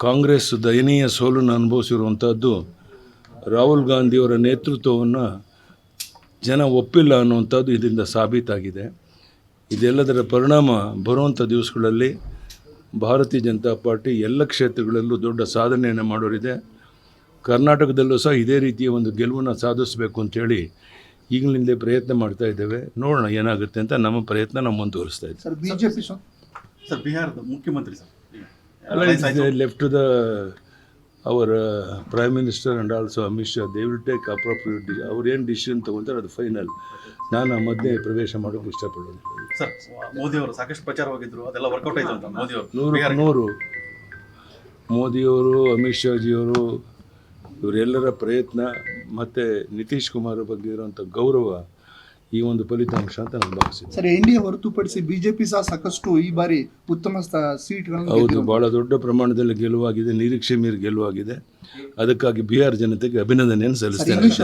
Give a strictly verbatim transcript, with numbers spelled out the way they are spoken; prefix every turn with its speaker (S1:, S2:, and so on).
S1: ಕಾಂಗ್ರೆಸ್ ದಯನೀಯ ಸೋಲನ್ನು ಅನುಭವಿಸಿರುವಂಥದ್ದು ರಾಹುಲ್ ಗಾಂಧಿಯವರ ನೇತೃತ್ವವನ್ನು ಜನ ಒಪ್ಪಿಲ್ಲ ಅನ್ನುವಂಥದ್ದು ಇದರಿಂದ ಸಾಬೀತಾಗಿದೆ. ಇದೆಲ್ಲದರ ಪರಿಣಾಮ ಬರುವಂಥ ದಿವಸಗಳಲ್ಲಿ ಭಾರತೀಯ ಜನತಾ ಪಾರ್ಟಿ ಎಲ್ಲ ಕ್ಷೇತ್ರಗಳಲ್ಲೂ ದೊಡ್ಡ ಸಾಧನೆಯನ್ನು ಮಾಡೋರಿದೆ. ಕರ್ನಾಟಕದಲ್ಲೂ ಸಹ ಇದೇ ರೀತಿಯ ಒಂದು ಗೆಲುವನ್ನು ಸಾಧಿಸಬೇಕು ಅಂತೇಳಿ ಈಗಲಿಂದಲೇ ಪ್ರಯತ್ನ ಮಾಡ್ತಾ ಇದ್ದೇವೆ. ನೋಡೋಣ ಏನಾಗುತ್ತೆ ಅಂತ. ನಮ್ಮ ಪ್ರಯತ್ನ ನಾವು ಮುಂದುವರಿಸ್ತಾ ಇದ್ದೀವಿ.
S2: ಸರ್ ಬಿಜೆಪಿ
S3: ಸರ್ ಬಿಹಾರದ ಮುಖ್ಯಮಂತ್ರಿ ಸರ್
S1: ಅಲ್ಲ, left to the our prime minister and also Amit Shah, they will take appropriate ಡಿ ಅವ್ರು ಏನು ಡಿಸಿಷನ್ ತೊಗೊಳ್ತಾರೆ ಅದು ಫೈನಲ್. ನಾನು ಆ ಮಧ್ಯೆ ಪ್ರವೇಶ ಮಾಡೋಕ್ಕೆ ಇಷ್ಟಪಡೋದು.
S3: ಸರ್ ಮೋದಿಯವರು ಸಾಕಷ್ಟು ಪ್ರಚಾರವಾಗಿದ್ದರು, ಅದೆಲ್ಲ ವರ್ಕೌಟ್ ಆಯಿತು ಅಂತ ಮೋದಿಯವರು
S1: ನೂರು ನೂರು ಮೋದಿಯವರು, ಅಮಿತ್ ಶಾಜಿಯವರು, ಇವರೆಲ್ಲರ ಪ್ರಯತ್ನ ಮತ್ತು ನಿತೀಶ್ ಕುಮಾರ್ ಬಗ್ಗೆ ಇರುವಂಥ ಗೌರವ ಈ ಒಂದು ಫಲಿತಾಂಶ ಅಂತ ನಾನು ಭಾವಿಸಿದ್ದೆ.
S2: ಸರ್ ಎನ್ ಡಿ ಎ ಹೊರತುಪಡಿಸಿ ಬಿಜೆಪಿ ಸಹ ಸಾಕಷ್ಟು ಈ ಬಾರಿ ಉತ್ತಮ ಸೀಟ್ಗಳನ್ನು
S1: ಹೌದು, ಭಾಳ ದೊಡ್ಡ ಪ್ರಮಾಣದಲ್ಲಿ ಗೆಲುವಾಗಿದೆ, ನಿರೀಕ್ಷೆ ಮೀರಿ ಗೆಲುವಾಗಿದೆ. ಅದಕ್ಕಾಗಿ ಬಿಹಾರ್ ಜನತೆಗೆ ಅಭಿನಂದನೆಯನ್ನು ಸಲ್ಲಿಸ್ತೇನೆ.